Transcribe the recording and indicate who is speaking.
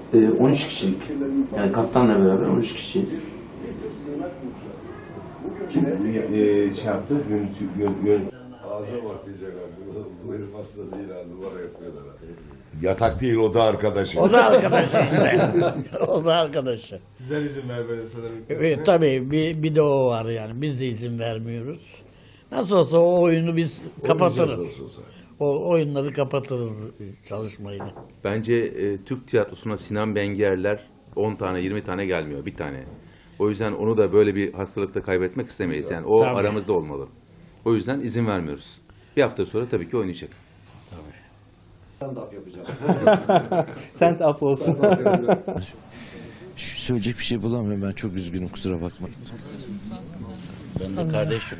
Speaker 1: 13 kişilik. Yani kaptanla beraber 13 kişiyiz.
Speaker 2: Kim şey yaptı?
Speaker 3: Ağza bak diyecek abi. Bu herif hasta değil ha. Numara yapıyorlar ha.
Speaker 4: Yatak değil, o da arkadaşı.
Speaker 5: O da arkadaşı işte. O da arkadaşı.
Speaker 6: Sizler izin vermeli sanırım.
Speaker 5: Evet, tabii bir de o var yani. Biz de izin vermiyoruz. Nasıl olsa o oyunu biz kapatırız. O oyunları kapatırız çalışmayı.
Speaker 7: Bence Türk tiyatrosuna Sinan Bengerler 10 tane 20 tane gelmiyor, bir tane. O yüzden onu da böyle bir hastalıkta kaybetmek istemeyiz. Yani o
Speaker 5: Tabii.
Speaker 7: aramızda olmalı. O yüzden izin vermiyoruz. Bir hafta sonra tabii ki oynayacak.
Speaker 8: Sent up olsun.
Speaker 9: Söyleyecek bir şey bulamıyorum, ben çok üzgünüm, kusura bakmayın.
Speaker 5: Ben de kardeşim.